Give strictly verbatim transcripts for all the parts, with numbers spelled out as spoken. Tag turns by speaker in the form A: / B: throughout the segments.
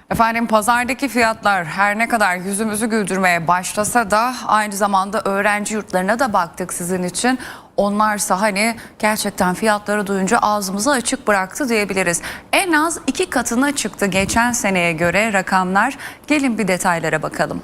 A: Efendim pazardaki fiyatlar her ne kadar yüzümüzü güldürmeye başlasa da aynı zamanda öğrenci yurtlarına da baktık sizin için. Onlarsa hani gerçekten fiyatları duyunca ağzımızı açık bıraktı diyebiliriz. En az iki katına çıktı geçen seneye göre rakamlar. Gelin bir detaylara bakalım.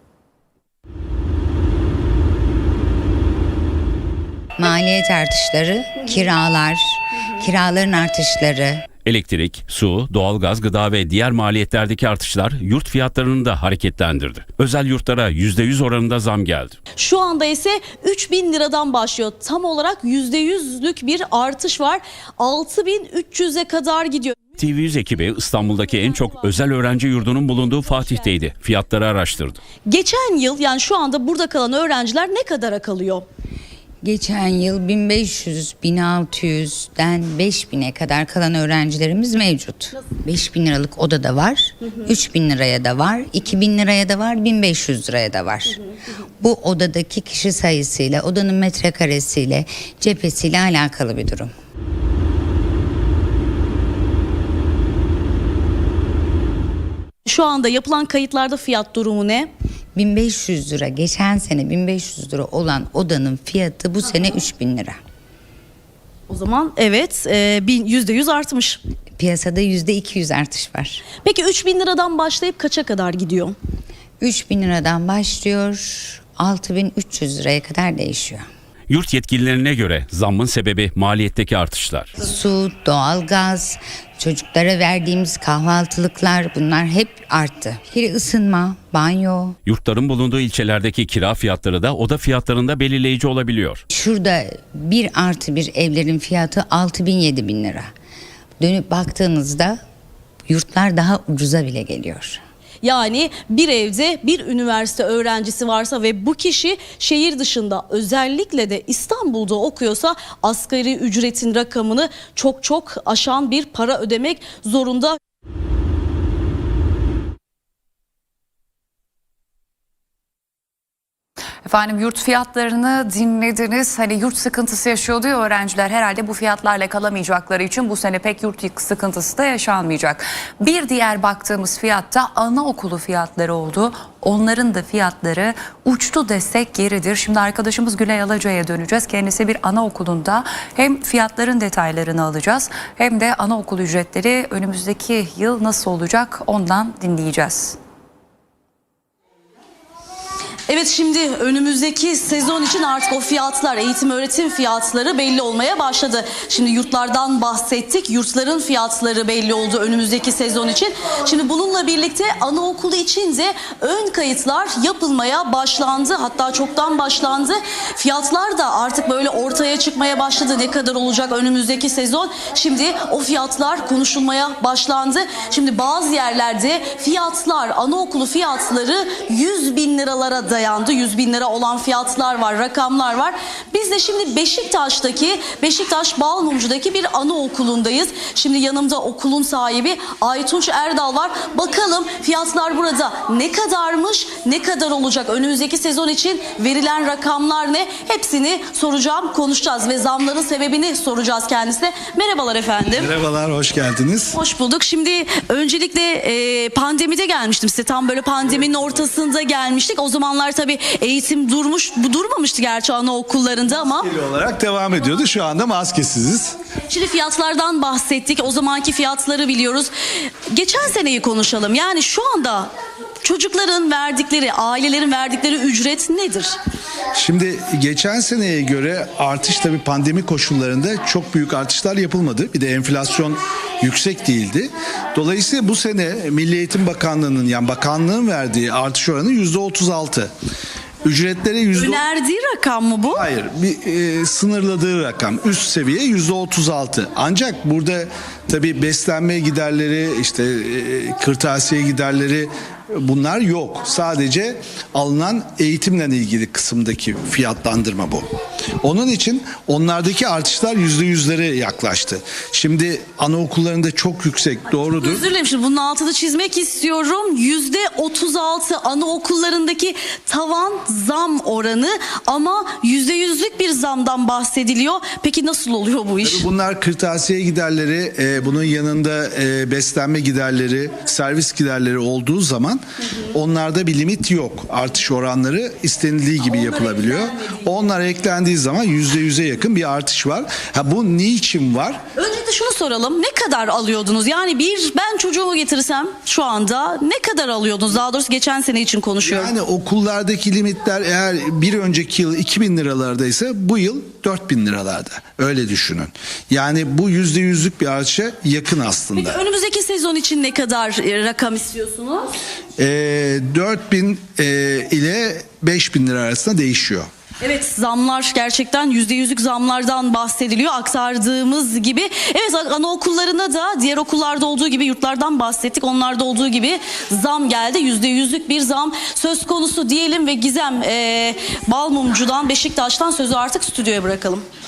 B: Maliyet artışları, kiralar, kiraların artışları.
C: Elektrik, su, doğalgaz, gıda ve diğer maliyetlerdeki artışlar yurt fiyatlarını da hareketlendirdi. Özel yurtlara yüzde yüz oranında zam geldi.
D: Şu anda ise üç bin liradan başlıyor. Tam olarak yüzde yüzlük bir artış var. altı bin üç yüze kadar gidiyor.
C: T V yüz ekibi İstanbul'daki en çok özel öğrenci yurdunun bulunduğu Fatih'teydi. Fiyatları araştırdı.
D: Geçen yıl, yani şu anda burada kalan öğrenciler ne kadara kalıyor?
B: Geçen yıl bin beş yüz, bin altı yüzden beş bine kadar kalan öğrencilerimiz mevcut. beş bin liralık oda da var, üç bin liraya da var, iki bin liraya da var, bin beş yüz liraya da var. Bu odadaki kişi sayısıyla, odanın metrekaresiyle, cephesiyle alakalı bir durum.
D: Şu anda yapılan kayıtlarda fiyat durumu ne?
B: bin beş yüz lira, geçen sene bin beş yüz lira olan odanın fiyatı bu sene üç bin lira.
D: O zaman evet, e, bin- yüzde yüz artmış.
B: Piyasada yüzde iki yüz artış var.
D: Peki üç bin liradan başlayıp kaça kadar gidiyor?
B: üç bin liradan başlıyor, altı bin üç yüz liraya kadar değişiyor.
C: Yurt yetkililerine göre zammın sebebi maliyetteki artışlar.
B: Su, doğalgaz, çocuklara verdiğimiz kahvaltılıklar, bunlar hep arttı. Bir ısınma, banyo.
C: Yurtların bulunduğu ilçelerdeki kira fiyatları da oda fiyatlarında belirleyici olabiliyor.
B: Şurada bir artı bir evlerin fiyatı altı bin yedi bin lira. Dönüp baktığınızda yurtlar daha ucuza bile geliyor.
D: Yani bir evde bir üniversite öğrencisi varsa ve bu kişi şehir dışında, özellikle de İstanbul'da okuyorsa asgari ücretin rakamını çok çok aşan bir para ödemek zorunda.
A: Efendim yurt fiyatlarını dinlediniz. Hani yurt sıkıntısı yaşıyordu ya öğrenciler, herhalde bu fiyatlarla kalamayacakları için bu sene pek yurt sıkıntısı da yaşanmayacak. Bir diğer baktığımız fiyatta anaokulu fiyatları oldu. Onların da fiyatları uçtu desek yeridir. Şimdi arkadaşımız Gülay Alaca'ya döneceğiz. Kendisi bir anaokulunda hem fiyatların detaylarını alacağız hem de anaokul ücretleri önümüzdeki yıl nasıl olacak ondan dinleyeceğiz.
D: Evet, şimdi önümüzdeki sezon için artık o fiyatlar, eğitim öğretim fiyatları belli olmaya başladı. Şimdi yurtlardan bahsettik. Yurtların fiyatları belli oldu önümüzdeki sezon için. Şimdi bununla birlikte anaokulu için de ön kayıtlar yapılmaya başlandı. Hatta çoktan başlandı. Fiyatlar da artık böyle ortaya çıkmaya başladı. Ne kadar olacak önümüzdeki sezon? Şimdi o fiyatlar konuşulmaya başlandı. Şimdi bazı yerlerde fiyatlar, anaokulu fiyatları yüz bin liralara dayandı. yüz bin lira olan fiyatlar var, rakamlar var. Biz de şimdi Beşiktaş'taki, Beşiktaş Balmumcu'daki bir anaokulundayız. Şimdi yanımda okulun sahibi Aytunç Erdal var. Bakalım fiyatlar burada ne kadarmış, ne kadar olacak? Önümüzdeki sezon için verilen rakamlar ne? Hepsini soracağım, konuşacağız ve zamların sebebini soracağız kendisine. Merhabalar efendim.
E: Merhabalar, hoş geldiniz.
D: Hoş bulduk. Şimdi öncelikle e, pandemide gelmiştim size. Tam böyle pandeminin ortasında gelmiştik. O zamanlar tabii eğitim durmuş, bu durmamıştı gerçi anaokullarında ama.
E: Maskeli olarak devam ediyordu. Şu anda maskesiziz.
D: Şimdi fiyatlardan bahsettik. O zamanki fiyatları biliyoruz. Geçen seneyi konuşalım. Yani şu anda çocukların verdikleri, ailelerin verdikleri ücret nedir?
E: Şimdi geçen seneye göre artış, tabii pandemi koşullarında çok büyük artışlar yapılmadı. Bir de enflasyon yüksek değildi. Dolayısıyla bu sene Milli Eğitim Bakanlığı'nın, yani bakanlığın verdiği artış oranı yüzde otuz altı. Ücretlere yüzde...
D: Önerdiği rakam mı bu?
E: Hayır, bir e, sınırladığı rakam, üst seviye yüzde otuz altı. Ancak burada tabii beslenme giderleri, işte e, kırtasiye giderleri bunlar yok. Sadece alınan eğitimle ilgili kısımdaki fiyatlandırma bu. Onun için onlardaki artışlar yüzde yüzlere yaklaştı. Şimdi anaokullarında çok yüksek, doğrudur.
D: Özür dilerim, şimdi bunun altını çizmek istiyorum. yüzde otuz altı anaokullarındaki tavan zam oranı ama yüzde yüzlük bir zamdan bahsediliyor. Peki nasıl oluyor bu iş?
E: Bunlar kırtasiye giderleri, e, bunun yanında e, beslenme giderleri, servis giderleri olduğu zaman onlarda bir limit yok. Artış oranları istenildiği gibi yapılabiliyor. Onlar eklendiği zaman yüzde yüze yakın bir artış var. Ha, bu niçin var?
D: Önce de şunu soralım. Ne kadar alıyordunuz? Yani bir ben çocuğumu getirsem şu anda ne kadar alıyordunuz? Daha doğrusu geçen sene için konuşuyorum.
E: Yani okullardaki limitler eğer bir önceki yıl iki bin liralardaysa bu yıl dört bin liralarda. Öyle düşünün. Yani bu yüzde yüzlük bir artışa yakın aslında.
D: Peki önümüzdeki sezon için ne kadar e, rakam istiyorsunuz?
E: E, dört bin e, ile beş bin lira arasında değişiyor.
D: Evet, zamlar gerçekten yüzde yüzlük zamlardan bahsediliyor aktardığımız gibi. Evet, anaokullarına da diğer okullarda olduğu gibi yurtlardan bahsettik. Onlarda olduğu gibi zam geldi. Yüzde yüzlük bir zam söz konusu diyelim ve Gizem e, Balmumcu'dan, Beşiktaş'tan sözü artık stüdyoya bırakalım.